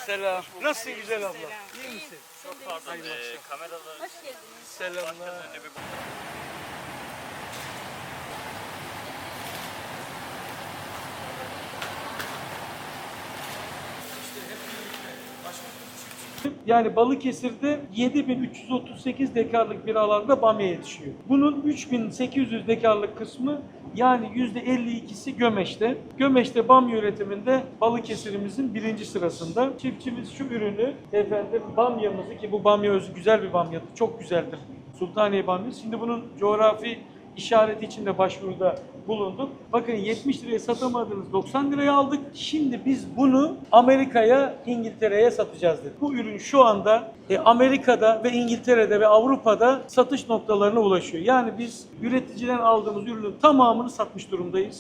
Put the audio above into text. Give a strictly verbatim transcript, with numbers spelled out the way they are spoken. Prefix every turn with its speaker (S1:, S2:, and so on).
S1: Selam. Nasılsın güzel abla?
S2: Selam.
S1: İyi misin?
S2: Çok
S3: Pardon, e, kameraları
S2: Hoş geldiniz.
S1: Selamlar.
S3: önce bir
S1: Yani Balıkesir'de yedi bin üç yüz otuz sekiz dekarlık bir alanda bamya yetişiyor. Bunun üç bin sekiz yüz dekarlık kısmı yani yüzde elli ikisi Gömeş'te. Gömeş'te bamya üretiminde Balıkesir'imizin birinci sırasında. Çiftçimiz şu ürünü efendim bamyamızı ki bu bamya özü güzel bir bamyadır. Çok güzeldir. Sultaniye bamyası. Şimdi bunun coğrafi işareti için de başvuruda bulunduk. Bakın yetmiş liraya satamadığımız doksan liraya aldık. Şimdi biz bunu Amerika'ya, İngiltere'ye satacağız dedik. Bu ürün şu anda e, Amerika'da ve İngiltere'de ve Avrupa'da satış noktalarına ulaşıyor. Yani biz üreticiden aldığımız ürünün tamamını satmış durumdayız.